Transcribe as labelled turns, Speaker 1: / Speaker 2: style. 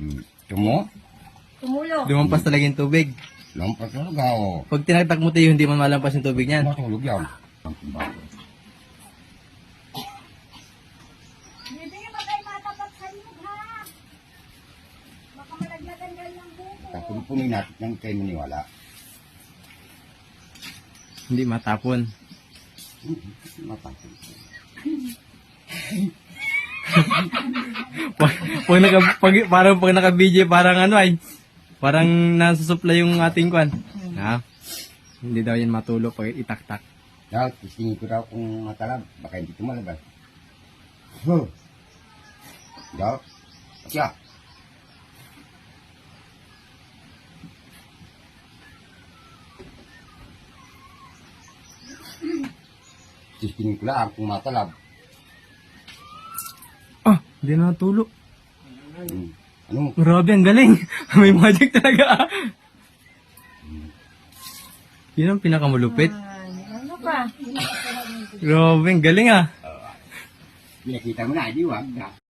Speaker 1: Tumo?
Speaker 2: Tumulo.
Speaker 3: Lumampas talaga yung tubig.
Speaker 1: Lampas talaga, o.
Speaker 3: Pag tinagtak mo tayo, hindi man malampas yung tubig niyan.
Speaker 1: Matulog yan.
Speaker 2: Hindi ba kayo matapat sa inyo, ha? Baka malaglagan dahil ng buko.
Speaker 1: Tapon-punin natin ng kayo maniwala.
Speaker 3: Hindi matapon.
Speaker 1: Matapon.
Speaker 3: Parang pag naka-BJ, parang ano ay, parang nasusupply yung ating kwan. Ha? Hindi daw yan matulo pag itaktak.
Speaker 1: Daw, tisingin ko daw kung matalab. Baka hindi tumalabas. Huh. Daw. Siya. Tisingin ko lang kung matalab.
Speaker 3: Ah, hindi na natulo.
Speaker 1: Ano?
Speaker 3: Grabe, ang galing. May magic talaga. Yun ang pinakamalupit.
Speaker 2: Ano pa?
Speaker 3: Grabe, ang galing ah.
Speaker 1: Pinakita mo na, di wag.